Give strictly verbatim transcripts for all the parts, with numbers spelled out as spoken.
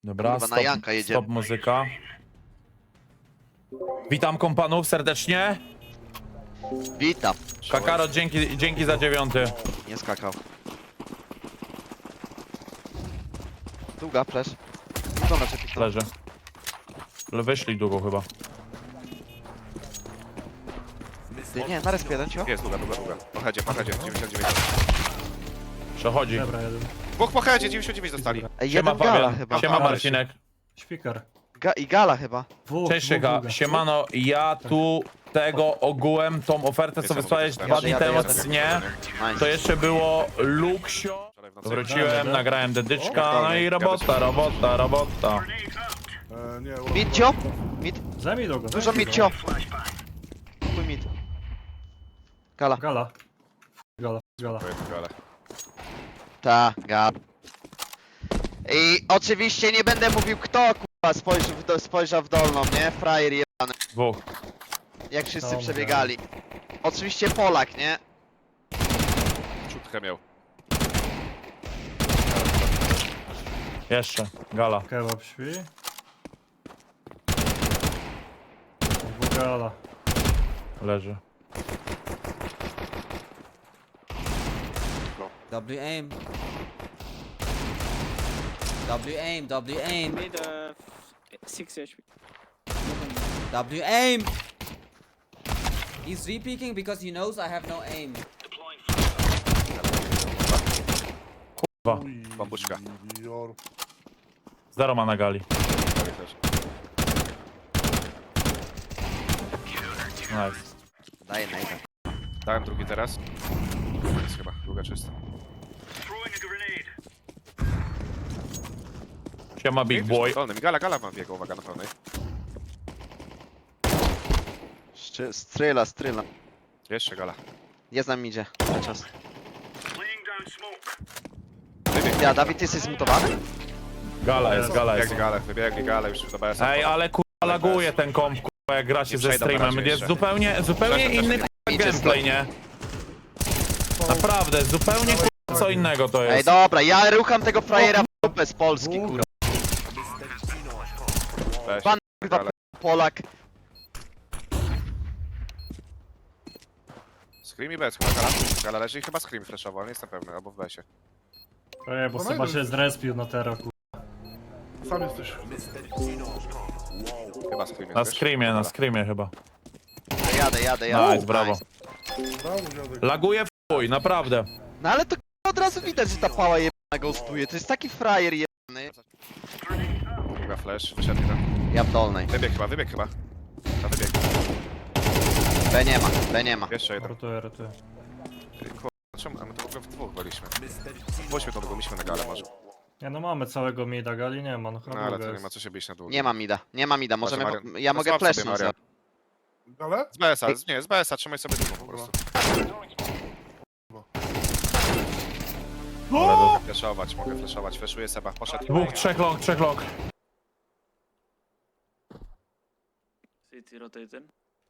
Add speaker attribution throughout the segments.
Speaker 1: Dobra,
Speaker 2: Kurwa, na
Speaker 1: stop,
Speaker 2: Janka jedziemy.
Speaker 1: stop muzyka. Witam kompanów serdecznie.
Speaker 2: Witam.
Speaker 1: Kakaro, dzięki, dzięki za dziewiąty.
Speaker 2: Nie skakał. Długa, flash. Dobra, czy
Speaker 1: Leży. Ale wyszli długo chyba.
Speaker 2: Ty, nie, na respie jeden, cio.
Speaker 3: Jest, długa, długa, długa. Po headzie, po headzie, dziewięćdziesiąt dziewięć.
Speaker 1: Przechodzi.
Speaker 4: Dobra, jeden.
Speaker 3: Dwóch po headzie, dziewięćdziesiąt dziewięć dostali.
Speaker 2: Ej,
Speaker 1: Siema
Speaker 2: jeden gala
Speaker 1: Fabian.
Speaker 2: chyba.
Speaker 1: Siema Marcinek.
Speaker 4: Śpikar.
Speaker 2: Ga I gala chyba.
Speaker 4: Dwóch,
Speaker 1: Cześć
Speaker 4: dwóch,
Speaker 1: Szyka.
Speaker 4: dwóch.
Speaker 1: Siemano, ja tu tego ogółem, tą ofertę co
Speaker 3: Jest,
Speaker 1: wysłałeś
Speaker 3: ja
Speaker 1: dwa
Speaker 2: jadę,
Speaker 1: dni
Speaker 2: jadę,
Speaker 1: temu,
Speaker 2: jadę.
Speaker 1: nie?
Speaker 2: Nice.
Speaker 1: To jeszcze było Luxio.
Speaker 3: Wczoraj w nocy.
Speaker 1: Wróciłem, nagrałem dedyczka,
Speaker 2: O,
Speaker 1: no i robota, robota, robota.
Speaker 5: E, nie,
Speaker 2: Mid, cio. Mid.
Speaker 4: Zajmij długo.
Speaker 2: Dużo
Speaker 4: zajmij
Speaker 2: mid,
Speaker 4: go.
Speaker 2: cio. Chuj mid. Gala.
Speaker 4: Gala. Gala, gala.
Speaker 3: To jest gala.
Speaker 2: Ta, gala. I oczywiście nie będę mówił kto, kurwa, spojrzał w, do, spojrzał w dolną, nie? Frajer jebany.
Speaker 1: Dwóch.
Speaker 2: Jak wszyscy
Speaker 4: Dobra.
Speaker 2: przebiegali. Oczywiście Polak, nie?
Speaker 3: Czutkę miał.
Speaker 1: Jeszcze, gala.
Speaker 4: Kebab śpi. Dwóch gala.
Speaker 1: Leży.
Speaker 6: W aim. W aim, W aim.
Speaker 7: Mid uh, six H P.
Speaker 6: W aim. He's re-peeking because he knows I have no aim.
Speaker 1: Dwa.
Speaker 3: Bambuczka.
Speaker 5: Jor.
Speaker 1: Zero ma na gali.
Speaker 3: Prawie też.
Speaker 1: Nice.
Speaker 2: Daję najdę.
Speaker 3: Dałem drugi teraz. Jest chyba, długa czysta.
Speaker 1: Siema big boy.
Speaker 3: Dolny, gala, gala mam biegł, uwaga na pełnej.
Speaker 2: Szczy- Stryla, stryla.
Speaker 3: Jeszcze gala.
Speaker 2: Jest nam idzie. Na czas.
Speaker 3: Wybiegł,
Speaker 2: Ja, Dawid, ty jesteś zmutowany?
Speaker 1: Gala jest, gala jest.
Speaker 3: wybiegli gale, wybiegli gale już do B S a.
Speaker 1: Ej, ale kurwa laguje ten komp, kurwa, jak gra się
Speaker 3: Nie
Speaker 1: ze
Speaker 3: przejdą na
Speaker 1: streamem.
Speaker 3: razie
Speaker 1: Jest
Speaker 3: jeszcze.
Speaker 1: zupełnie, zupełnie
Speaker 3: Przeszedł,
Speaker 1: inny
Speaker 3: przeszedł.
Speaker 1: kurwa,
Speaker 2: Idzie
Speaker 1: gameplay, nie? Naprawdę, zupełnie kurwa, co innego to
Speaker 2: Ej,
Speaker 1: jest.
Speaker 2: dobra, ja rucham tego frajera w dupę z Polski,
Speaker 4: Dwóch.
Speaker 2: kurwa.
Speaker 3: Weź,
Speaker 2: Pan kurwa
Speaker 3: gale.
Speaker 2: Polak.
Speaker 3: Scream i B S chyba gala. Gala leży i chyba Scream flashował, nie jestem pewny, albo w B S ie.
Speaker 4: Ej, bo Seba się zrespił na tero, ku...
Speaker 5: Sam jesteś.
Speaker 3: Chyba Scream jest,
Speaker 1: Na
Speaker 3: wiesz?
Speaker 1: screamie, na
Speaker 3: Gala.
Speaker 1: screamie chyba.
Speaker 2: Jadę, jadę, jadę.
Speaker 1: Nice, brawo.
Speaker 5: Brawo, dziadek.
Speaker 1: Laguje w chuj, naprawdę.
Speaker 2: No ale to kurwa, od razu widać, że ta pała jebana ghostuje. To jest taki frajer jebany.
Speaker 3: Długa flash, wyszedł jeden.
Speaker 2: Ja w dolnej.
Speaker 3: Wybieg chyba, wybieg chyba. Na wybieg.
Speaker 2: B nie ma, B nie ma.
Speaker 3: Jeszcze jeden.
Speaker 4: Rotuję, rotuję.
Speaker 3: Kurwa, czemu? A my to w ogóle w dwóch byliśmy. Pójdźmy to długo, myśmy na galę może.
Speaker 4: Nie no, mamy całego mida, gali nie ma, no chyba
Speaker 3: No ale
Speaker 4: długa
Speaker 3: to nie
Speaker 4: jest.
Speaker 3: ma co się bić na dół.
Speaker 2: Nie ma mida, nie ma mida, możemy...
Speaker 3: Marian.
Speaker 2: po- Ja
Speaker 3: No
Speaker 2: mogę
Speaker 3: złap sobie,
Speaker 2: flashnąć.
Speaker 3: Marian.
Speaker 5: Ale?
Speaker 3: Z B S a, nie, z B S a, trzymaj sobie długo po prostu. Mogę flashować, mogę flashować, flashuję Seba, poszedł.
Speaker 1: Dwóch, trzech long, trzech long.
Speaker 7: City rotating.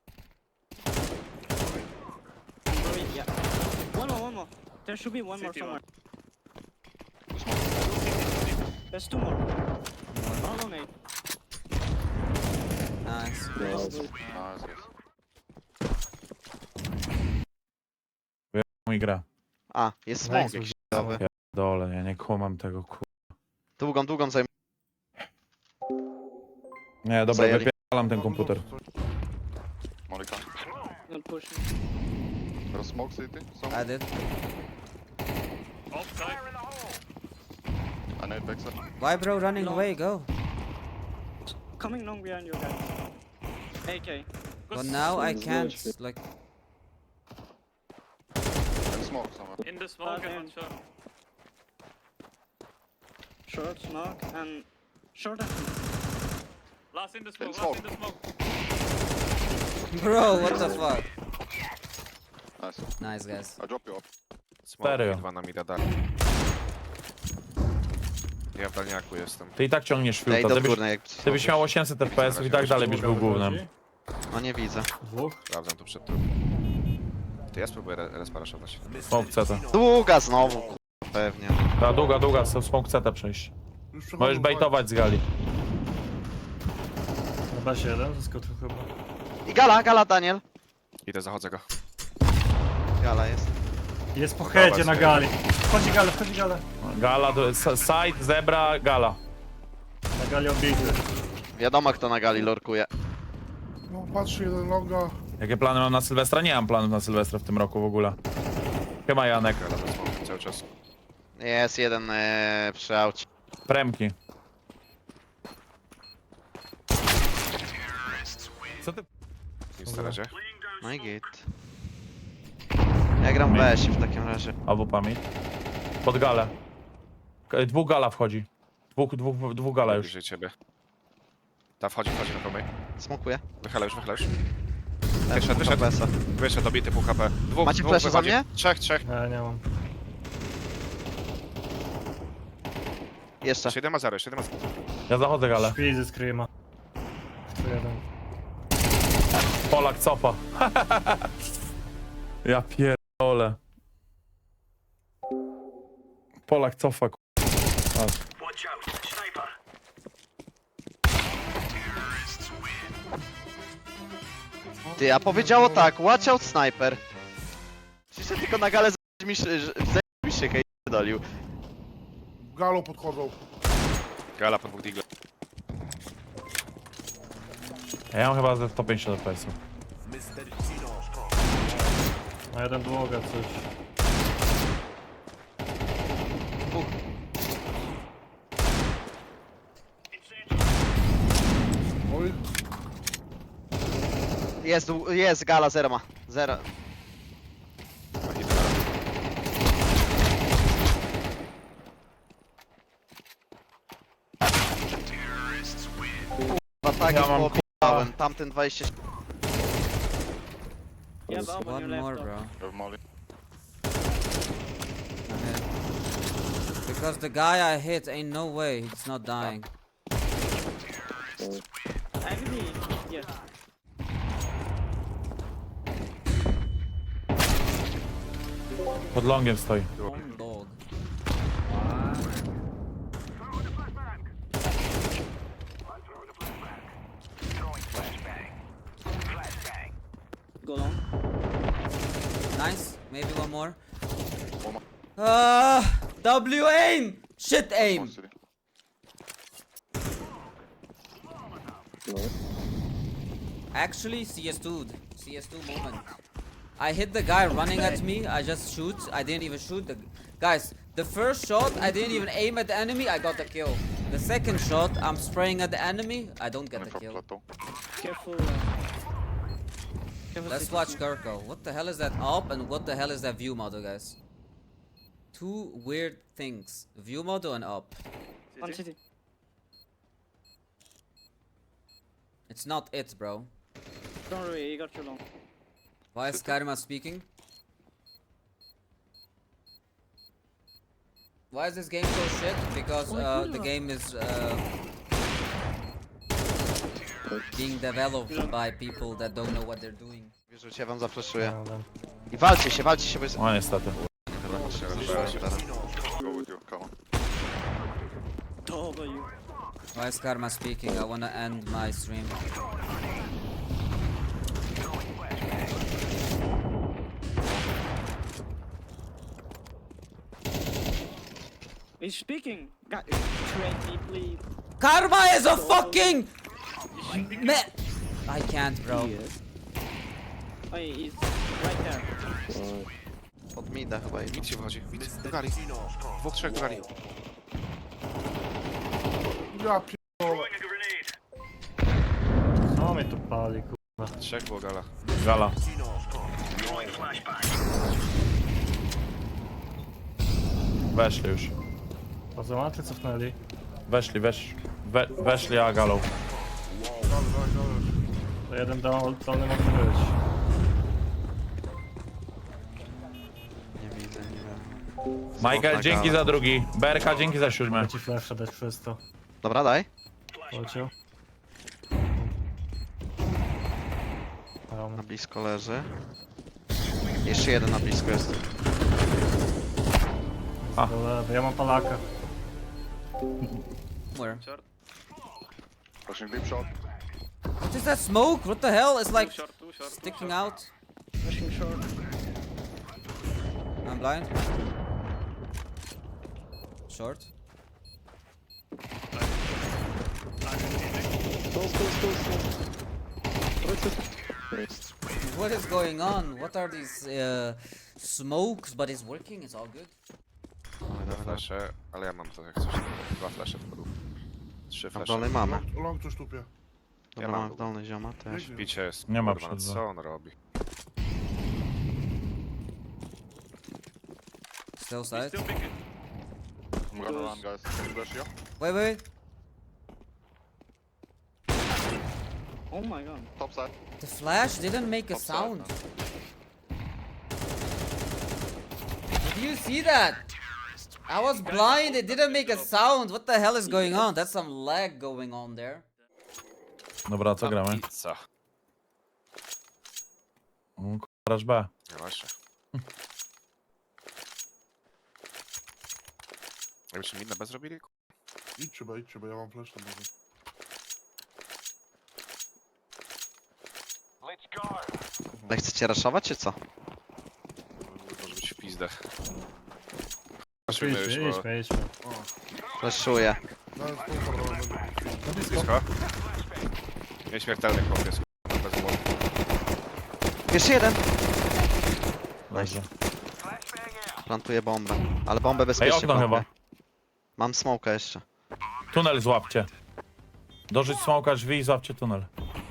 Speaker 7: Yeah. One more, one more. There should be one more somewhere. There's two more. All on eight.
Speaker 6: Nice.
Speaker 1: Mój gra.
Speaker 2: A, jest smok
Speaker 4: Nice,
Speaker 2: jakiś.
Speaker 1: Dole, ja nie kumam tego ku...
Speaker 2: Długą, długą zajmę.
Speaker 1: Nie, dobra,
Speaker 2: Zajęli.
Speaker 1: wypieram ten komputer.
Speaker 5: Monika.
Speaker 7: Don't push.
Speaker 5: Teraz smoke city?
Speaker 6: I did.
Speaker 5: A net backside.
Speaker 6: Why, bro? Running away? Go.
Speaker 7: Coming long behind you guys. A K.
Speaker 6: But now I can't. Like,
Speaker 5: And smoke somewhere.
Speaker 7: In the smoke and short. Short smoke and short and
Speaker 8: Last in the
Speaker 5: In
Speaker 8: smoke,
Speaker 5: smoke.
Speaker 8: last in the smoke.
Speaker 6: bro, what the fuck?
Speaker 5: Nice.
Speaker 6: Nice, guys.
Speaker 5: I drop you off.
Speaker 1: Serio?
Speaker 3: Dwa na mida dali. Ja w dalniaku jestem.
Speaker 1: Ty i tak ciągniesz
Speaker 2: Ej,
Speaker 1: filtra.
Speaker 2: do
Speaker 1: Ty byś,
Speaker 2: górnej jak...
Speaker 1: ty byś miał osiemset F P S i tak dalej byś był głównym.
Speaker 2: No nie widzę.
Speaker 4: Dwóch.
Speaker 3: Sprawdzam tu przed tym. To ja spróbuję re- resparaszować.
Speaker 1: Smoke C T.
Speaker 2: Długa znowu, kurwa, pewnie.
Speaker 1: Ta długa, długa, smoke C T przejść.
Speaker 9: Już przechodzą,
Speaker 1: Możesz bejtować z gali.
Speaker 4: Na basie jeden, zaskoczył chyba.
Speaker 2: I gala, gala, Daniel.
Speaker 3: Idę, zachodzę go.
Speaker 2: Gala jest.
Speaker 4: Jest po headzie na
Speaker 3: Zobacz,
Speaker 4: gali. Wchodzi gale, wchodzi gale.
Speaker 1: Gala, to jest side, zebra, gala.
Speaker 4: Na gali obity.
Speaker 2: Wiadomo kto na gali lorkuje.
Speaker 9: No patrzy jeden loga.
Speaker 1: Jakie plany mam na Sylwestra? Nie mam planów na Sylwestra w tym roku w ogóle. Chyba Janek.
Speaker 3: Gala bez smoku cały czas.
Speaker 2: Jest jeden ee, przy aucie.
Speaker 1: Premki. Co ty?
Speaker 3: Nic na razie.
Speaker 2: No i git. Ja gram w B S w takim razie.
Speaker 1: Albo pamięć. Pod galę. K- Dwóch gala wchodzi. Dwóch, dwóch, dwóch gala już.
Speaker 3: Bliżej ciebie. Ta wchodzi, wchodzi na pomyj.
Speaker 2: Smokuję.
Speaker 3: Wychyla już, wychyla już.
Speaker 2: Ja
Speaker 3: Wyszedł, wyszedł.
Speaker 2: B S a.
Speaker 3: Wyszedł, dobity, pół H P. Dwóch,
Speaker 2: Macie
Speaker 3: dwóch
Speaker 2: flasha za
Speaker 3: wychodzi.
Speaker 2: mnie?
Speaker 3: Trzech, trzech.
Speaker 4: Ja nie mam.
Speaker 2: Jeszcze.
Speaker 3: siedem ma zero, siedem ma zero.
Speaker 1: Ja zachodzę galę.
Speaker 4: Śpi ze screama. Tu jeden.
Speaker 1: Polak cofa. Ja pierdolę. Polak cofa, k***. Patrz.
Speaker 2: Ty, a powiedziało tak, watch out sniper. Przyszedł tylko na galę z mi szy- z mi szykę i dolił.
Speaker 9: Galo podchodzą.
Speaker 3: Gala po dwóch digle.
Speaker 1: Ja mam chyba ze sto pięćdziesiąt F P S-ów.
Speaker 4: Na jeden długa coś.
Speaker 9: Oj,
Speaker 2: Jest, jest gala, zero ma. Zero.
Speaker 3: Ma hita na razie.
Speaker 2: Dwa tak
Speaker 1: Ja
Speaker 2: ja
Speaker 1: mam
Speaker 2: mam tamten dwadzieścia.
Speaker 7: You have up on
Speaker 6: One
Speaker 7: your left.
Speaker 6: more,
Speaker 7: though.
Speaker 6: bro.
Speaker 5: You have Molly.
Speaker 6: Ahead. Because the guy I hit ain't no way he's not dying.
Speaker 7: Actually, yes.
Speaker 1: Pod longiem stoi.
Speaker 6: Dog.
Speaker 7: Go long.
Speaker 6: Nice. Maybe one more.
Speaker 5: One more.
Speaker 6: Ah, W aim. Shit
Speaker 5: One
Speaker 6: aim.
Speaker 5: city.
Speaker 6: Actually, C S two. C S two moment. I hit the guy running at me. I just shoot. I didn't even shoot the guys. The first shot, I didn't even aim at the enemy. I got the kill. The second shot, I'm spraying at the enemy. I don't get
Speaker 5: Only
Speaker 6: the
Speaker 5: for
Speaker 6: kill.
Speaker 5: plateau.
Speaker 7: Careful. Uh, careful
Speaker 6: Let's
Speaker 7: city.
Speaker 6: watch Kirko. What the hell is that up and what the hell is that view model, guys? Two weird things. View model and up.
Speaker 7: One city.
Speaker 6: It's not it, bro.
Speaker 7: Don't worry, you got too long.
Speaker 6: Why is Karima speaking? Why is this game so shit? Because uh, the game is uh, being developed by people that don't know what they're doing.
Speaker 2: Wierzę, ja wam zafreszuję.
Speaker 4: No, no.
Speaker 2: I walcie się, walcie się, bo jest...
Speaker 1: O niestety.
Speaker 5: Go with you, come on.
Speaker 7: W.
Speaker 6: Why is Karma speaking? I wanna end my stream.
Speaker 7: He's speaking. God, twenty, please.
Speaker 6: Karma is a fucking man. I can't, bro.
Speaker 7: Oh, he's right there.
Speaker 2: Pod mida chyba idzie.
Speaker 3: Mid się wychodzi. Mid. Do gali. Dwóch, trzech do gali.
Speaker 9: ja pierdolę.
Speaker 4: Co mnie tu pali, kurwa.
Speaker 3: Trzech było gala.
Speaker 1: Gala. Weszli już.
Speaker 4: Bazamaty cofnęli.
Speaker 1: Weszli, wesz, we, weszli, a galą.
Speaker 4: To jeden down, dolny może być.
Speaker 2: Nie widzę, nie wiem.
Speaker 1: Michael,
Speaker 2: na
Speaker 1: dzięki
Speaker 2: galę.
Speaker 1: za drugi. Berka, dzięki za siódmy.
Speaker 4: Chcę ci flasha dać przez to.
Speaker 2: Dobra, daj.
Speaker 4: Poleciał.
Speaker 2: Na blisko leży. Jeszcze jeden na blisko jest.
Speaker 4: Do lewej. Ja mam palaka.
Speaker 6: Where?
Speaker 5: Pushing deep shot.
Speaker 6: What is that smoke? What the hell? It's like
Speaker 8: Two short, two short.
Speaker 6: sticking out.
Speaker 7: Pushing short.
Speaker 6: I'm blind. Short. What is going on? What are these uh, smokes? But it's working. It's all good.
Speaker 3: Dwa flesze, ale ja mam to jak coś. Dwa flesze wpadł. Trzy
Speaker 2: A w
Speaker 3: flesze.
Speaker 2: dolnej mamy.
Speaker 9: Long, long coś tupie.
Speaker 2: Dobra,
Speaker 3: mam
Speaker 2: mamy w dolnej zioma też.
Speaker 9: Biegnie.
Speaker 3: Bicie jest.
Speaker 1: Nie ma
Speaker 3: kurwa, no
Speaker 1: przed
Speaker 3: co on robi?
Speaker 6: Still side.
Speaker 8: Still picking.
Speaker 5: I'm gonna run, guys. Can you dash here?
Speaker 6: Wait, wait.
Speaker 7: Oh my god.
Speaker 5: Top side.
Speaker 6: The flash didn't make a
Speaker 5: Top side,
Speaker 6: sound.
Speaker 5: no.
Speaker 6: Did you see that? I was blind. It didn't make a sound. What the hell is going on? That's some lag going on there.
Speaker 1: Dobra, co gramy?
Speaker 3: Pizza.
Speaker 1: O, k***a, rush B.
Speaker 3: No właśnie. Jakbyśmy minę bez robili?
Speaker 9: Idźcie, bo idźcie, bo ja mam flash tam może.
Speaker 2: Ale chcecie raszować czy co?
Speaker 3: Może być w pizdę.
Speaker 4: Idźmy,
Speaker 3: Patrzymy już, bo
Speaker 4: idźmy, idźmy.
Speaker 2: Flashuję.
Speaker 9: Dałem spółkę, ale będę.
Speaker 4: Na blisko.
Speaker 3: blisko. Nieśmiertelny chłopiec. Bez głowy.
Speaker 2: Jeszcze jeden.
Speaker 1: Dobrze.
Speaker 2: Plantuję bombę. Ale bombę
Speaker 1: Ej,
Speaker 2: bezpiecznie
Speaker 1: okno
Speaker 2: plantuję.
Speaker 1: chyba.
Speaker 2: Mam smoka jeszcze.
Speaker 1: Tunel złapcie. Dożyć smoka drzwi i złapcie tunel.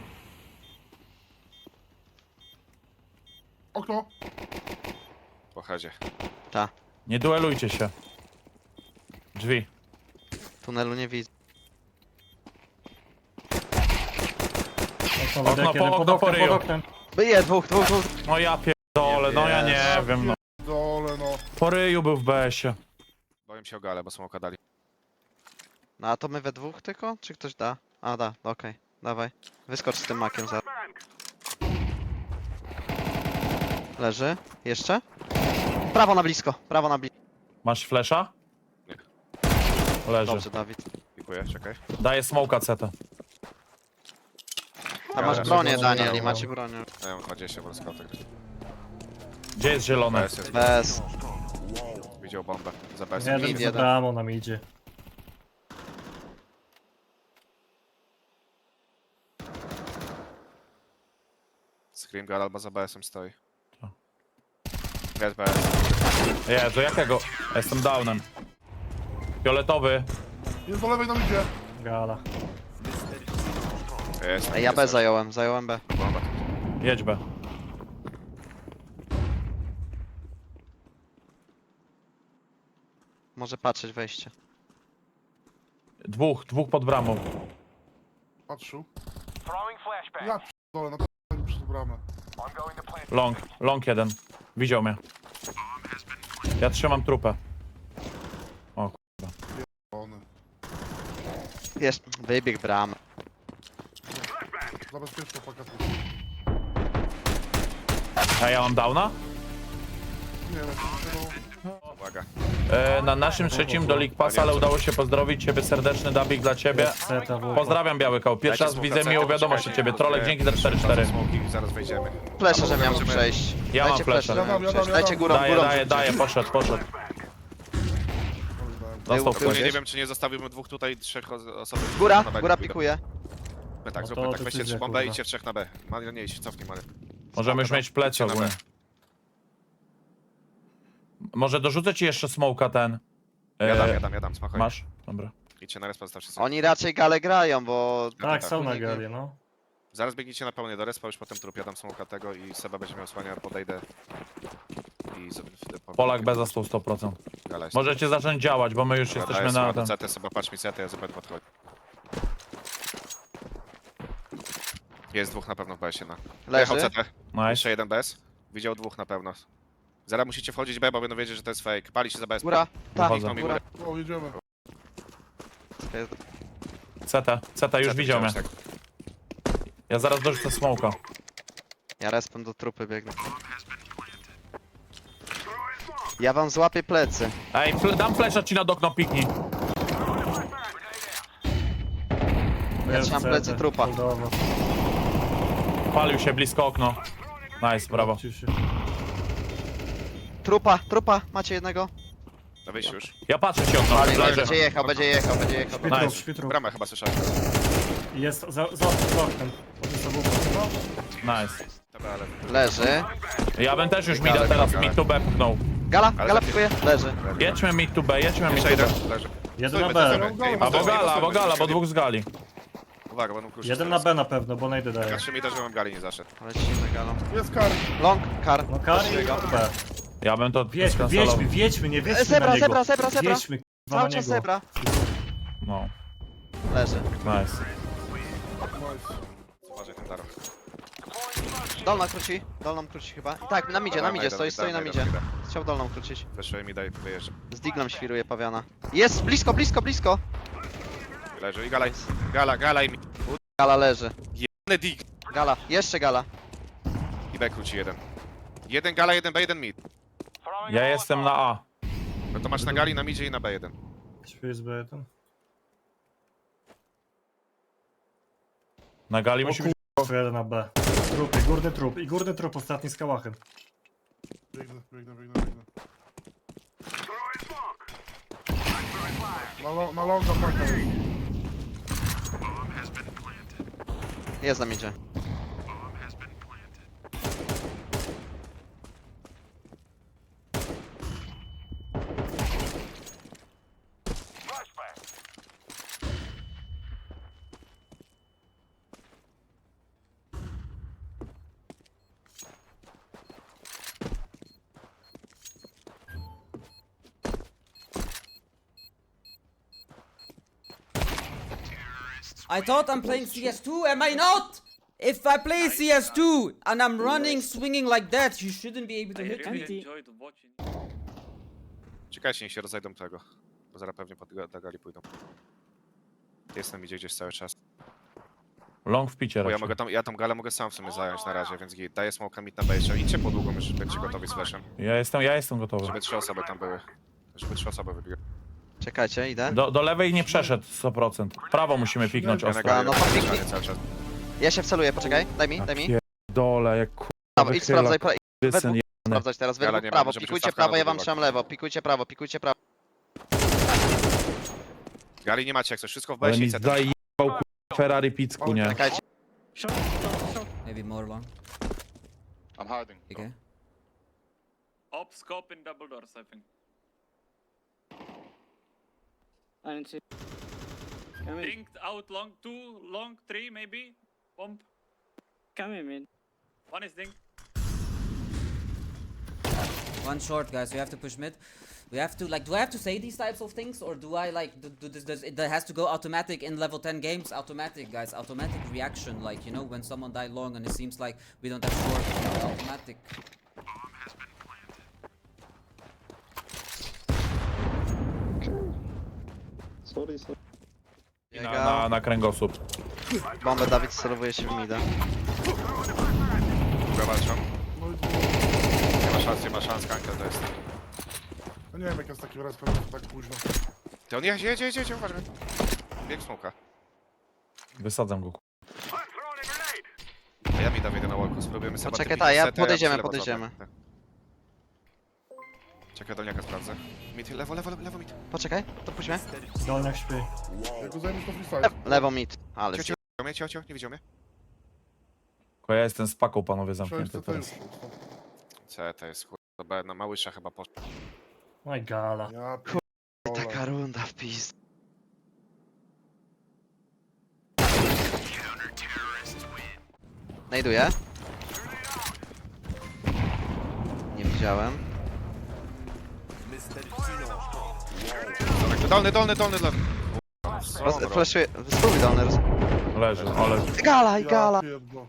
Speaker 9: Okno!
Speaker 3: Po headzie.
Speaker 2: Ta.
Speaker 1: Nie duelujcie się. Drzwi.
Speaker 2: Tunelu nie widzę.
Speaker 4: Okno,
Speaker 1: Okno
Speaker 4: okno,
Speaker 1: po-
Speaker 4: jeden, pod
Speaker 1: okno po
Speaker 4: oknem,
Speaker 1: ryju.
Speaker 4: pod oknem.
Speaker 2: Byje, dwóch, dwóch, dwóch.
Speaker 1: No ja pierdolę, no ja nie wiem, no.
Speaker 9: Dole, no.
Speaker 1: Po ryju był w B S-ie.
Speaker 3: Boję się o galę, bo smoka dali.
Speaker 2: No a to my we dwóch tylko? Czy ktoś da? A da, okej. Dawaj. Wyskocz z tym makiem za. Leży. Jeszcze? Prawo na blisko, prawo na blisko.
Speaker 1: Masz flesza?
Speaker 3: Nie.
Speaker 1: Leży.
Speaker 2: Dobrze, Dawid.
Speaker 3: Dziękuję, czekaj.
Speaker 1: Daję smoka C T.
Speaker 2: A masz
Speaker 3: Ja
Speaker 2: bronię,
Speaker 4: leżę,
Speaker 2: Daniel,
Speaker 4: leżę.
Speaker 2: i macie bronię.
Speaker 3: Ja mam dwadzieścia w skautek.
Speaker 1: Gdzie jest zielone?
Speaker 3: B S jest.
Speaker 2: Bez.
Speaker 3: Widział bombę. Za B S.
Speaker 4: Jeden
Speaker 2: Mid
Speaker 4: za
Speaker 2: jeden.
Speaker 4: bramą nam idzie.
Speaker 3: Scream gal albo za B S-em stoi.
Speaker 1: Co?
Speaker 3: Jest B S.
Speaker 1: Jezu, jakiego? Jestem downem. Fioletowy.
Speaker 9: Jest do lewej nam idzie.
Speaker 4: Gala.
Speaker 3: Jest.
Speaker 2: Ej, ja
Speaker 3: jest,
Speaker 2: B
Speaker 3: jest.
Speaker 2: zająłem, zająłem B.
Speaker 3: Bomba.
Speaker 1: Jedź B.
Speaker 2: Może patrzeć wejście.
Speaker 1: Dwóch, dwóch pod bramą.
Speaker 9: Patrzył. Ja dole, na p***aniu przez bramę.
Speaker 1: Long, long jeden. Widział mnie. Ja trzymam trupę.
Speaker 9: One.
Speaker 2: Jest, wybieg bramy.
Speaker 9: Zabezpieczmy pakiet.
Speaker 1: A ja mam downa?
Speaker 9: Nie wiem, no.
Speaker 3: Uwaga.
Speaker 1: E, na naszym trzecim do League Pass, ale udało się pozdrowić ciebie serdeczny Dabik dla ciebie.
Speaker 4: Seta w
Speaker 1: Pozdrawiam Biały Koł. Pierwszy raz widzę miłą wiadomość od ciebie. Trolek, dzięki za cztery cztery.
Speaker 3: Smoki, zaraz wejdziemy.
Speaker 2: Flesze, że miałem przejść.
Speaker 1: Ja mam
Speaker 2: Dajcie
Speaker 1: flesze.
Speaker 2: flesze, że miałem
Speaker 9: Ja dam, ja
Speaker 2: przejść.
Speaker 9: dam, ja
Speaker 2: Dajcie
Speaker 9: dam.
Speaker 2: górą,
Speaker 1: Daję,
Speaker 2: górą.
Speaker 1: daję,
Speaker 2: rzućcie.
Speaker 1: daję, poszedł, poszedł. Dostał
Speaker 2: Był-
Speaker 3: Ogólnie
Speaker 1: ktoś.
Speaker 3: nie wiem, czy nie zostawiłbym dwóch tutaj, trzech os- osób.
Speaker 2: Góra,
Speaker 3: na B
Speaker 2: góra
Speaker 3: pójdą.
Speaker 2: pikuje.
Speaker 3: My tak,
Speaker 4: No
Speaker 3: zróbmy
Speaker 4: to
Speaker 3: tak, weźcie
Speaker 4: decyzja,
Speaker 3: trzy bombę i
Speaker 4: kurwa.
Speaker 3: idźcie w trzech na B. Mario, nie idź, cofnij Mario.
Speaker 1: Możemy już mieć plecy
Speaker 3: Idźcie na B.
Speaker 1: ogólnie. Może dorzucę ci jeszcze smoka ten.
Speaker 3: Ja dam,
Speaker 1: E,
Speaker 3: ja dam, ja dam, smakoj.
Speaker 1: Masz? Dobra.
Speaker 3: Idźcie na respa, zostawcie sobie.
Speaker 2: Oni raczej gale grają, bo...
Speaker 4: Tak,
Speaker 3: tak.
Speaker 4: są na gali, no.
Speaker 3: Zaraz biegnijcie na pełnie do respa, już potem trup, ja dam smoka tego i Seba będzie miał słania, podejdę. I z, w,
Speaker 1: Polak B za sto, sto procent.
Speaker 3: Gala jest.
Speaker 1: Możecie zacząć działać, bo my już
Speaker 3: Dobra,
Speaker 1: jesteśmy
Speaker 3: daję
Speaker 1: na
Speaker 3: smoka
Speaker 1: ten.
Speaker 3: do C T, Seba, patrz mi C T, ja zupełnie podchodzę. Jest dwóch na pewno w B S-ie na. Jechał
Speaker 2: Leży.
Speaker 3: C T.
Speaker 1: Nice.
Speaker 3: Jeszcze jeden B S. Widział dwóch na pewno. Zaraz musicie wchodzić B, bo będą wiedzieć, że to jest fake. Pali się za B S.
Speaker 2: Góra, tak,
Speaker 1: Wychodzę.
Speaker 2: góra.
Speaker 9: O, jedziemy.
Speaker 1: C T, C T już
Speaker 3: C T
Speaker 1: widział mnie.
Speaker 3: widziałeś, tak.
Speaker 1: Ja zaraz dorzucę smoka.
Speaker 2: Ja respem do trupy biegnę. Ja wam złapię plecy.
Speaker 1: Ej, fl dam flesza ci na okno, piknij.
Speaker 4: Jest
Speaker 2: trzymam
Speaker 4: C T,
Speaker 2: plecy trupa.
Speaker 4: holdowo.
Speaker 1: Palił się blisko okno. Nice, brawo.
Speaker 4: Wrócił się.
Speaker 2: Trupa, trupa, macie jednego?
Speaker 3: Na wyjściu już.
Speaker 1: Ja patrzę się okno.
Speaker 2: Ale
Speaker 1: Leży.
Speaker 2: będzie jechał, będzie jechał, będzie jechał.
Speaker 4: Śpi trup,
Speaker 1: Nice.
Speaker 4: śpi trup.
Speaker 3: Bramę chyba słyszałem.
Speaker 4: I jest za, za, za oknem. Podniósł obok.
Speaker 1: Nice.
Speaker 3: Dobra, ale...
Speaker 2: Leży.
Speaker 1: Ja bym też już mida teraz mid to B puknął.
Speaker 2: Gala,
Speaker 3: Ale
Speaker 2: gala
Speaker 3: lepiej.
Speaker 2: pikuje, leży.
Speaker 1: Jedźmy mid to B, jedźmy mid
Speaker 3: Jeszcze
Speaker 1: to B.
Speaker 3: jeden, leży.
Speaker 4: Jeden na
Speaker 3: Stójmy,
Speaker 4: B.
Speaker 3: stójmy. Ej,
Speaker 1: Albo
Speaker 3: stójmy,
Speaker 1: gala, albo
Speaker 3: stójmy,
Speaker 1: gala, bo
Speaker 3: stójmy.
Speaker 1: dwóch z gali.
Speaker 3: Uwaga, będą kruszy.
Speaker 4: Jeden na B na pewno, bo najdę daje.
Speaker 3: Ja trzy mi żebym gali nie zaszedł.
Speaker 2: Lecimy galą.
Speaker 9: Jest kar.
Speaker 2: Long, kar.
Speaker 4: No Kari
Speaker 2: Lecimy go.
Speaker 4: B.
Speaker 1: Ja bym to
Speaker 4: Wiedźmy,
Speaker 1: skansalował.
Speaker 4: wiedźmy, wiedźmy, nie wiedźmy
Speaker 2: Zebra,
Speaker 4: na niego.
Speaker 2: zebra, zebra, zebra.
Speaker 4: Wiedźmy, k***wa,
Speaker 2: Cały
Speaker 4: na
Speaker 2: czas
Speaker 4: niego.
Speaker 2: zebra.
Speaker 1: No,
Speaker 2: Leży.
Speaker 1: nice.
Speaker 9: Nice.
Speaker 3: Uważaj ten Daro.
Speaker 2: Dolna króci, dolną króci chyba. Tak, na midzie, na
Speaker 3: Dobra,
Speaker 2: midzie,
Speaker 3: idę,
Speaker 2: stoi,
Speaker 3: idę,
Speaker 2: stoi na
Speaker 3: idę,
Speaker 2: midzie.
Speaker 3: idę.
Speaker 2: Chciał dolną krócić.
Speaker 3: Weszłem mi daj, wyjeżdżam.
Speaker 2: Z diglem świruje pawiana. Jest, blisko, blisko, blisko.
Speaker 3: Leży i gala, gala, gala i mi.
Speaker 2: Gala leży.
Speaker 3: Jebany dig.
Speaker 2: Gala, jeszcze gala.
Speaker 3: I B króci jeden. Jeden gala, jeden B, jeden mid.
Speaker 1: Ja jestem na A.
Speaker 3: No to masz na gali, na midzie i na B jeden.
Speaker 4: Śpi z B jeden.
Speaker 1: Na gali
Speaker 4: O
Speaker 1: musi być...
Speaker 4: kurwa, jeden na B. Trup, i górny trup, i górny trup ostatni z kałachem.
Speaker 9: Biegnę, biegnę, biegnę, biegnę. Na, lo- na longa paka jest.
Speaker 2: Jest na midzie.
Speaker 6: I thought I'm playing C S two, am I not? If I play C S two and I'm running, swinging like that, you shouldn't be able to
Speaker 8: I
Speaker 6: hit
Speaker 8: really
Speaker 6: me.
Speaker 8: enjoyed watching.
Speaker 3: Czekajcie, niech się rozejdą tego. Bo zaraz pewnie pod ga- do gali pójdą. Jestem idzie gdzieś cały czas.
Speaker 1: Long w picie
Speaker 3: Bo ja
Speaker 1: raczej.
Speaker 3: mogę tam, ja tam galę mogę sam w sumie zająć na razie, więc git. Daję smoka mid na bejście. Idźcie po długą, już będziecie gotowi z flashem.
Speaker 1: Ja jestem, ja jestem gotowy.
Speaker 3: Żeby trzy osoby tam były. Żeby trzy osoby wybiły.
Speaker 2: Czekajcie, idę.
Speaker 1: Do, do lewej nie przeszedł sto procent. Prawo musimy piknąć
Speaker 3: Ja na
Speaker 1: ostro.
Speaker 3: gali
Speaker 2: no to
Speaker 3: robię
Speaker 2: piknij.
Speaker 3: cały czas.
Speaker 2: Ja się wceluję, poczekaj. Daj mi, daj mi.
Speaker 1: Dole, jak kurwa
Speaker 2: Prawo, idź sprawdzaj, pra-
Speaker 1: wysyn je...
Speaker 2: sprawdzać teraz.
Speaker 3: Gala
Speaker 2: Według
Speaker 3: nie ma,
Speaker 2: prawo,
Speaker 3: może być
Speaker 2: pikujcie
Speaker 3: ustawka
Speaker 2: prawo,
Speaker 3: na
Speaker 2: ja wam
Speaker 3: dwóch.
Speaker 2: trzymam lewo. Pikujcie prawo, pikujcie prawo.
Speaker 3: Gali nie macie jak coś, wszystko w
Speaker 1: Ale
Speaker 3: bejście
Speaker 1: mi
Speaker 3: i C T.
Speaker 1: zajebał kurwa Ferrari Picku, nie?
Speaker 2: Czekajcie.
Speaker 7: Short, short, short.
Speaker 6: Maybe more long.
Speaker 5: I'm hiding.
Speaker 6: Okay.
Speaker 8: Op scope in double doors, I think.
Speaker 7: I didn't see. Come in,
Speaker 8: Linked out long, two, long, three maybe. Pump.
Speaker 7: come in, man.
Speaker 8: One is linked.
Speaker 6: One short, guys. We have to push mid. We have to like. Do I have to say these types of things, or do I like do, do this? Does it that has to go automatic in level ten games? Automatic, guys. Automatic reaction, like you know when someone died long and it seems like we don't have short. You know, automatic.
Speaker 1: Na, na, na kręgosłup.
Speaker 2: Bombę Dawid celowuje się w mida.
Speaker 3: Długo walczą.
Speaker 9: No i dwóch.
Speaker 3: Nie ma szans, nie ma szans, kanka to jest.
Speaker 9: No nie wiem jak jest taki respekt tak późno.
Speaker 3: Ty on jedzie, jedzie, jedzie, jedzie, uważaj. Bieg smoka.
Speaker 1: Wysadzam go.
Speaker 3: A ja mi dam jeden na walku, spróbujemy sobie
Speaker 2: Poczekaj, ta, ja podejdziemy, podejdziemy.
Speaker 3: Czekaj, dolniaka sprawdzę. Mid, lewo, lewo, lewo, mid.
Speaker 2: Poczekaj, to puśćmy.
Speaker 4: Dolniak śpi.
Speaker 9: Jak go zajmiesz to freestyle.
Speaker 2: Le- Lewo mid. Ale
Speaker 3: Cio,
Speaker 2: zje-
Speaker 3: cio, widział mnie, cio, cio, nie widział mnie?
Speaker 1: Tylko ja jestem z paką, panowie,
Speaker 9: Przejść
Speaker 1: zamknięty
Speaker 9: to już.
Speaker 1: teraz.
Speaker 3: C, to jest chuj. To B na małysza chyba poszło.
Speaker 4: No i gala.
Speaker 9: Ja
Speaker 2: taka runda w pizd. Znajduję. Nie widziałem.
Speaker 3: Dolny, dolny, dolny, dolny.
Speaker 2: Roz, flashuję. Spróbuj dolny. Roz...
Speaker 1: Leży, ale...
Speaker 2: Gala i
Speaker 9: Ja
Speaker 2: gala.
Speaker 9: pierdolę.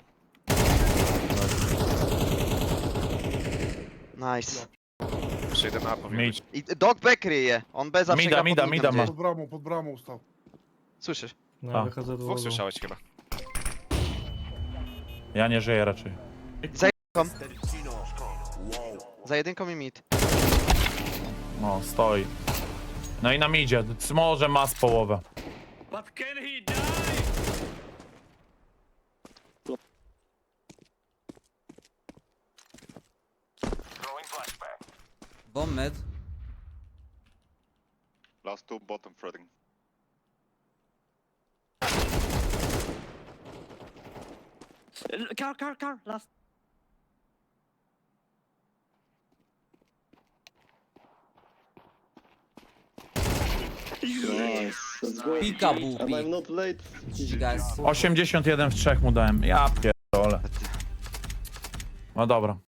Speaker 2: Nice.
Speaker 3: Jeszcze jeden A powinien
Speaker 1: Mid.
Speaker 3: być.
Speaker 2: I dog back ryje. On B zawsze
Speaker 1: Mida,
Speaker 2: gra pod
Speaker 1: mida,
Speaker 2: midem
Speaker 1: mida ma.
Speaker 2: gdzieś.
Speaker 9: Pod bramą, pod bramą stał.
Speaker 2: Słyszysz?
Speaker 4: No
Speaker 1: A.
Speaker 4: wychodzę do
Speaker 3: Dwóch
Speaker 4: długo.
Speaker 3: słyszałeś chyba.
Speaker 1: Ja nie żyję raczej.
Speaker 2: Za jedynką i mid.
Speaker 1: No, stoi. No i nam idzie. Może ma z połowę.
Speaker 8: But can he die?
Speaker 6: Bomb mid.
Speaker 5: Last two bottom threading.
Speaker 7: Uh, Car, car, car. Last.
Speaker 6: Peekaboo peek. G G guys.
Speaker 1: osiemdziesiąt jeden w trzech mu dałem. Ja pierdolę. No dobra.